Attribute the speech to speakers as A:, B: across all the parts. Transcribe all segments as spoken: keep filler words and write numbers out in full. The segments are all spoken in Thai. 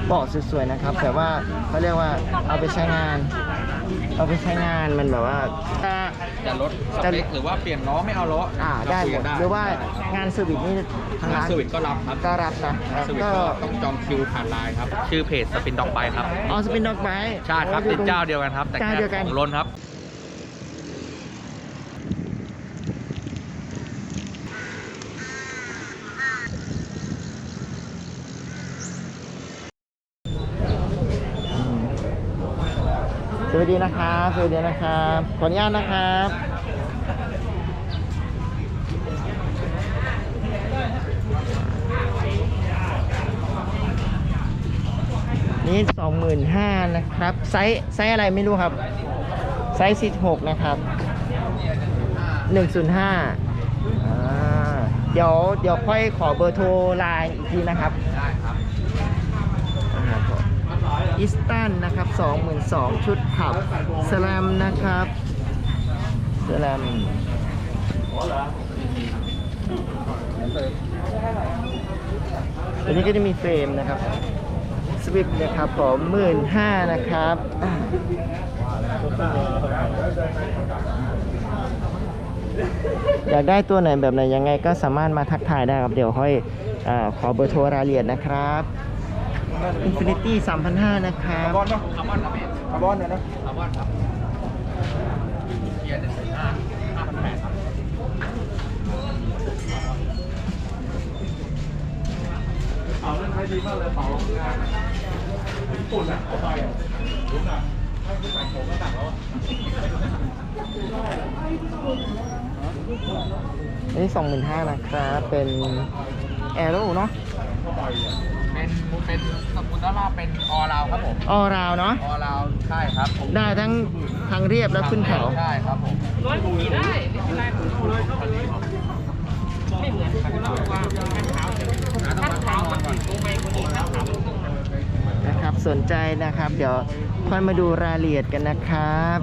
A: เบาะสวยๆนะครับแต่ว่าเขาเรียกว่าเอาไปใช้งาน เอาไปใช้งานมันแบบว่าจะ
B: จะลดสเปคหรือว่าเปลี่ยนล้อไม่เอาล้อ
A: อ่าได้หมดหรือว่างานเซอร์วิสนี่ทาง
B: งาน
A: ร้าน
B: เซอร์วิสก็รับครับ
A: ก็รับนะ
B: เซอร์วิส
A: ก็
B: ก็ต้องจองคิวผ่านไลน์ครับชื่อเพจสปินด็อกไบครับ
A: อ๋อสปินด็อกไบ
B: ใช่ครับเป็นเจ้าเดียวกันครับแต่แค่ของล้นครับ
A: สวัสดีนะครับสวัสดีนะครับขออนุญาตนะครับนี่สองหมื่นห้านะครับไซส์ไซส์อะไรไม่รู้ครับไซส์สิบหกนะครับหนึ่งศูนย์ห้าอ่าเดี๋ยวเดี๋ยวค่อยขอเบอร์โทรไลน์อีกทีนะครับ
B: ได้ครับ
A: อิสตันนะครับ สองหมื่นสองพัน ชุดขับสแลมนะครับสแลมตัวนี้ก็จะมีเฟรมนะครับสวิปนะครับผมหมื่นห้านะครับอยากได้ตัวไหนแบบไหนยังไงก็สามารถมาทักทายได้ครับเดี๋ยวค่อยอ่าขอเบอร์โทรรายละเอียดนะครับ Infinity สามพันห้าร้อย นะครับ
B: คาร์บอนเนาะคาร์บอนครับพี่คาร์บอนเนี่ยนะคาร์บอนครับเกียร์หนึ่งสี่ห้าห้าพันแปดครับเอาเรื่องใช้ดีมากเลยเป๋างานญี่ปุ่นอ่ะเอาไปอ่ะรู้นะถ้าคุณใส่ผมก็ต่างแล้ว
A: อันนี้ สองหมื่นห้าพัน นะครับ เป็นแอโร่เนาะ
B: เป็นเป็นสมุนไพรเป็นออราวครับผม
A: ออราวเนาะ
B: ออราวใช่ครับ
A: ได้ทั้งทางเรียบและขึ้นเขา
B: ใช่ครับผมร้อยขี่ได้ไม่เป็นไรเลยไม่เหมือนว่าขั้นขาวขั้นขาวมันลงไปคนนี้ขั้นขาวมันลง
A: นะครับสนใจนะครับเดี๋ยวค่อยมาดูรายละเอียดกันนะครับ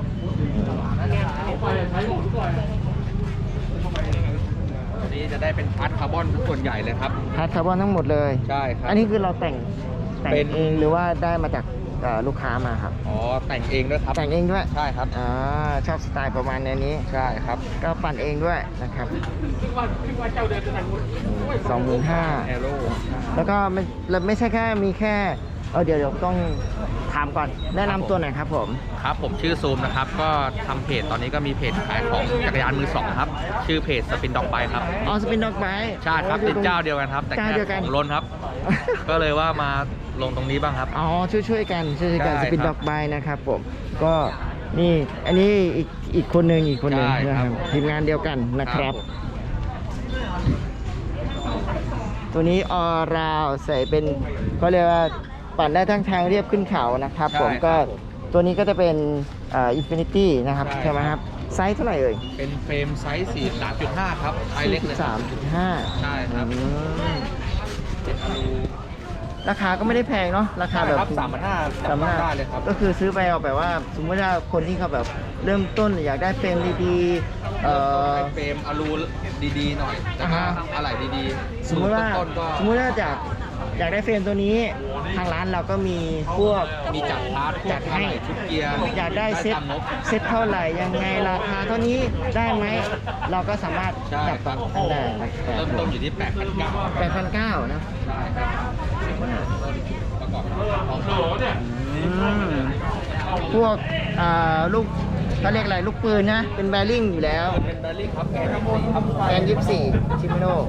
B: นี่จะได้เป็นพาร์ทคาร์บอนส่วนใหญ่เลยครับ
A: พาร์ทคาร์บอนทั้งหมดเลย
B: ใช่ครับ
A: อันนี้คือเราแต่งแต่งเองหรือว่าได้มาจากลูกค้ามาครับ
B: อ๋อแต่งเองด้วยครับ
A: แต่งเองด้วย
B: ใช่ครับ
A: อ่าชอบสไตล์ประมาณนี้
B: ใช่ครับ
A: ก็ปั่นเองด้วยนะครับสองหมื่นห้า
B: แอโร่
A: แล้วก็ไม่ไม่ใช่แค่มีแค่เออเดี๋ยวเดี๋ยวต้องถามก่อนแนะนำตัวหน่อยครับผม
B: ครับผมชื่อซูมนะครับก็ทำเพจตอนนี้ก็มีเพจขายของจักรยานมือสองครับชื่อเพจสปินด็อกไบครับ
A: อ๋อสปินด็อกไบ
B: ใช่ครับเป็นเจ้าเดียวกันครับแต่แค่ของล้นครับก็เลยว่ามาลงตรงนี้บ้างครับ
A: อ๋อช่วยช่วยกันช่วยกันสปินด็อกไบนะครับผมก็นี่อันนี้อีกอีกคนหนึ่งอีกคนหนึ่งนะครับทีมงานเดียวกันนะครับตัวนี้ออราวใส่เป็นเขาเรียกว่าปั่นได้ทั้งทางเรียบขึ้นเขานะครับผมก็ตัวนี้ก็จะเป็นอ่าอินฟินิตี้นะครับใช่ไหมครับไซส์เท่าไหร่เอ่ย
B: เป็นเฟรมไซส์ สี่สิบสามจุดห้า ครับไซส์เล็กเลย
A: สามจุดห้า
B: ใช่ครับ
A: ราคาก็ไม่ได้แพงเนาะราคาแบบ
B: สามพันห้าสามพันห้าเลยครับ
A: ก็คือซื้อไปเอาแบบว่าสมมติว่าคนที่เขาแบบเริ่มต้นอยากได้เฟรมดีๆเอ่อ
B: เฟรมอะลูดีๆหน่อยแต่ก็อะไรดีๆ
A: สมมติว่าสมมติว่าจากอยากได้เฟรมตัวนี้ทางร้านเราก็มีพวก
B: มีจัดพาร์ท
A: จัดให้
B: ชุดเกียร์
A: อยากได้เซ็ตเซ็ตเท่าไหร่ยังไงราคาเท่านี้ได้ไหมเราก็สามารถจับต้องได้
B: เริ่มต้นอยู่ที่แปดพันเก้า
A: แปดพันเก้านะ
B: ใช่ครับประกอบ
A: พวกลูกเขาเรียกอะไรลูกปืนนะเป็นแบริ่งอยู่แล้ว
B: เป็นแบริ่งครับแกนยี่สิบสี่ครับ
A: แกนยี่สิบสี่ชิมิโน่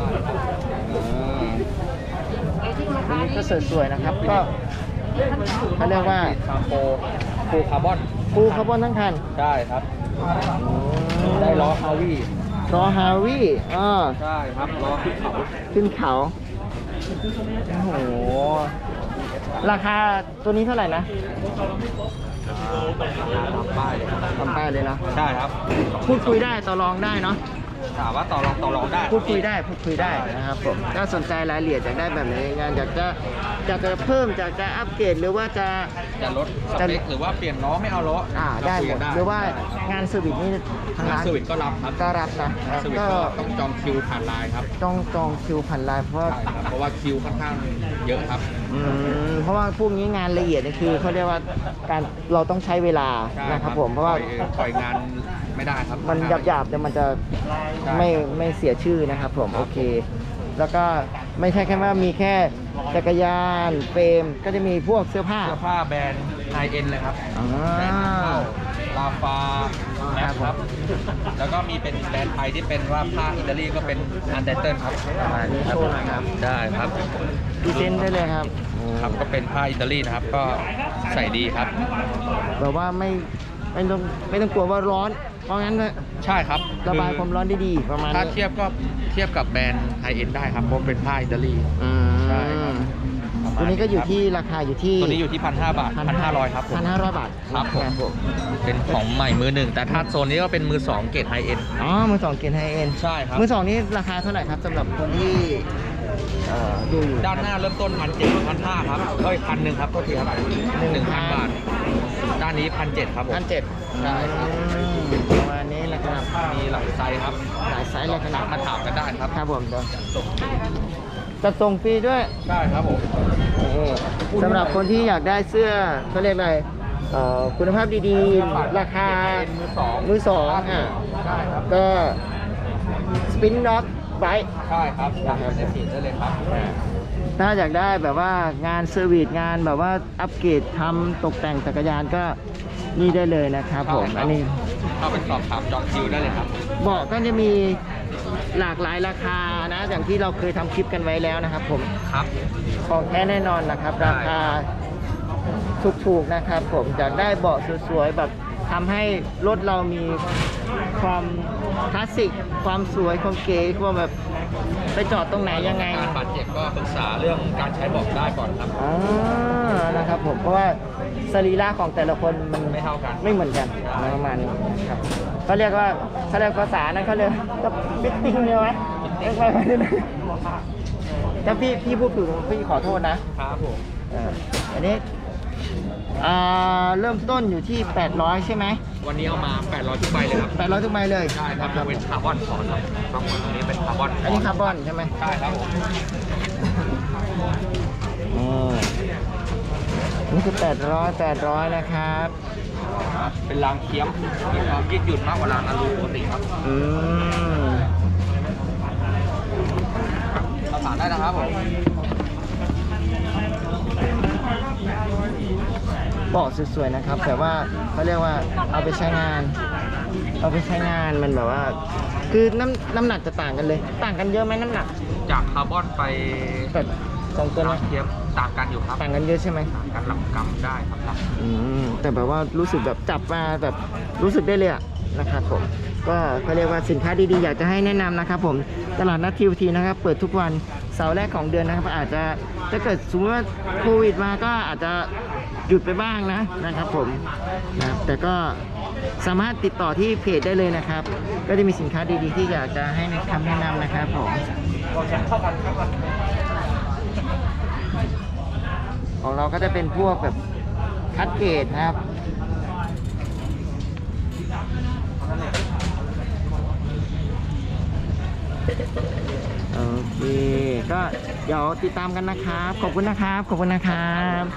A: อันนี้ก็สวยๆนะครับก็เขาเรียกว่า
B: โฟฟูคาร์บอน
A: ฟูคาร์บอนทั้งคัน
B: ใช่ครับได้ล้อฮาวี่
A: ล้อฮาวี่อ่า
B: ใช่ครับล้อขึ้นเขา
A: ขึ้นเขาโอ้โหราคาตัวนี้เท่าไหร่นะ
B: ทำป้ายเลย
A: ทำป้ายเลยนะ
B: ใช่ครับ
A: พูดคุยได้ต่อรองได้เนาะ
C: ถามว่าต่อรองต่อรองได้
A: พูดคุยได้พูดคุยได้นะครับผมถ้าสนใจรายละเอียดอยากได้แบบไหนงานอยากจะอยากจะเพิ่มอยากจะอัปเกรดหรือว่าจะ
C: จะลดสเปคหรือว่าเปลี่ยนล้อไม่เอาล้อ
A: อ่า
C: เร
A: ได้
C: คุย
A: หม
C: กั
A: ด
C: น
A: หรือว่างานเซอร์วิสนี่ทาง
C: งาน
A: ร้าน
C: สวิตก็รับครับ
A: ก็รับนะ
C: สวิต
A: ก็
C: ก็ต้องจองคิวผ่านไลน์ครับ
A: ต้องจองคิวผ่านไลน์เพราะว่า
C: ใช่ครับเพราะว่าคิวค่อนข้างเยอะครับ
A: อืมเพราะว่าพวกนี้งานละเอียดนี่คือเขาเรียกว่าการเราต้องใช้เวลา
C: ใช่
A: นะครับผมเพราะว่า
C: ปล่อยปล่อยงานไม่ได้ครับ
A: มันหยาบๆแต่มันจะ
C: ใช่
A: ไม่ไม่เสียชื่อนะครับผมโอเค แล้วก็ไม่ใช่แค่ว่ามีแค่จักรยานเฟรมก็จะมีพวกเสื้อผ้า
C: เสื้อผ้าแบรนด์ไฮเอ็นเลยครับ
A: อ่า
C: แบรนด์นำเข้าลาฟาแมสครับ แล้วก็มีเป็นแบรนด์ไทยที่เป็นว่าผ้าอิตาลีก็เป็นอันเดอร์เทิลครับ
A: ประมาณนี้โชว์หน่อยครับ
C: ได้ครับ
A: พรีเซนต์ได้เลยครับ
C: ครับก็เป็นผ้าอิตาลีนะครับ ก็ใส่ดีครับ
A: แบบว่าไม่ไม่ต้องไม่ต้องกลัวว่าร้อน เพราะงั้น
C: ใช่ครับ
A: ระบาย
C: คือ
A: ความร้อนได้ดีประมาณ
C: ถ้า
A: นี้
C: เทียบก็เทียบกับแบรนด์ไฮเอ็นได้ครับเพราะเป็นผ้าอิตาลี
A: อืม
C: ใช่ครับ
A: ตัวนี้ก็อยู่ที่ราคาอยู่ที่
C: ตัวนี้อยู่ที่พันห้าบาทพันห้าร้อยครับผม
A: พันห้าร้อยบาท
C: ครับผม
A: ผม
C: เป็นของใหม่มือหนึ่ง แต่ถ้าโซนนี้ก็เป็นมือสองเกรดไฮเอ็น
A: อ๋อมือสองเกียร์ไฮเอ็น
C: ใช่ครับ
A: มือสองนี่ราคาเท่าไหร่ครับสำหรับคนที่เอ่อดูอยู่
C: ด้านหน้าเริ่มต้นพันเจ็ดพันห้าครับเอ้ยพันหนึ่งครับโทษทีครับหนึ่งพันบาท ด้านนี้พันเจ็ดครับผม
A: พันเจ็ด
C: ใช่ครับ
A: ประมาณนี้นะครับ
C: มีหลายไซส์ครับ
A: หลายไซส์เลยครับ
C: มาถามกันได้ครับ
A: ครับผมเดี๋ยวจัดส่งฟรีด้วย
C: ใช่ครับผม
A: สำหรับคนที่อยากได้เสื้อเขาเรียกอะไรเอ่อคุณภาพดีๆ ราคา
C: มือสอง
A: มือสองอ่ะ
C: ใช่ครับ
A: ก็สปินน็อตไบ
C: ใช่ครับอยากในเพจได้เลยครับ
A: ถ้าอยากได้แบบว่างานเซอร์วิสงานแบบว่าอัปเกรดทำตกแต่งจักรยานก็นี่ได้เลยนะครับผม
C: ใช่ครับ
A: อันนี้
C: เข้าไปสอบถามจองคิวได้เลยครับ
A: เบาะก็จะมีหลากหลายราคานะ อย่างที่เราเคยทำคลิปกันไว้แล้วนะครับผม
C: ครับ
A: ของแท้แน่นอนนะครับ ราคาถูกๆนะครับผมอยากได้เบาะสวยๆแบบทำให้รถเรามีความคลาสสิกความสวยความเก๋ความแบบไปจอดตรงไหนยังไง
C: การบาดเจ็บก็ปรึกษาเรื่องการใช้เบอกได้ก่อนครับ
A: อ่านะครับผมเพราะว่าสรีระของแต่ละคนมัน
C: ไม่เท่ากัน
A: ไม่เหมือนกันประมาณนี้ครับเขาเรียกว่าเขาเรียกภาษานั้นเขาเรียกก็ฟิตติ้งใช่ไหมเรียกว่าอะไรนะถ้าพี่พี่พูดถูกพี่ขอโทษนะครับ
C: ผม
A: เอออันนี้อ่าเริ่มต้นอยู่ที่แปดร้อยใช่ไหม
C: วันนี้เอามาแปดร้อยทุกใบเลยครับ
A: แปดร้อยทุกใบเลย
C: ใช่ครับยกเว้นคาร์บอนฟอนครับบางคนตรงนี้เป็นคาร์บอน
A: อันนี้คาร์บอนใช่ไหม
C: ใช่ครับผม
A: อืมนี่คือแปดร้อยแปดร้อยนะครับ
C: เป็นรางเคี้ยมมีความยืดหยุ่นมากกว่ารางอลูปกติครับ
A: อืม
C: ประสานได้นะครับผม
A: เบาะสวยๆนะครับแต่ว่าเขาเรียกว่าเอาไปใช้งาน เอาไปใช้งานมันแบบว่า คือน้ำน้ำหนักจะต่างกันเลย ต่างกันเยอะไหมน้ำหนัก
C: จากคาร์บอนไป
A: แบบสองตัว
C: รา
A: นะ
C: งเคี้ยมต่างกันอยู่ครับ
A: ต่างกันเยอะใช่ไหม
C: ต่างกันหลักกรัมได้ครับหลัก
A: อืมแต่แบบว่ารู้สึกแบบจับมาแบบรู้สึกได้เลยอะนะครับผมก็เขาเรียกว่าสินค้าดีๆอยากจะให้แนะนำนะครับผมตลาดนัดทีวทีนะครับเปิดทุกวันเสาร์แรกของเดือนนะครับอาจจะถ้าเกิดสมมติว่าโควิดมาก็อาจจะหยุดไปบ้างนะนะครับผมนะครับแต่ก็สามารถติดต่อที่เพจได้เลยนะครับ ก็จะมีสินค้าดีๆที่อยากจะให้คำแนะนำนะครับผมของเราก็จะเป็นพวกแบบคัดเกรดนะครับโอเคก็เดี๋ยวติดตามกันนะครับขอบคุณนะครับขอบคุณนะครับ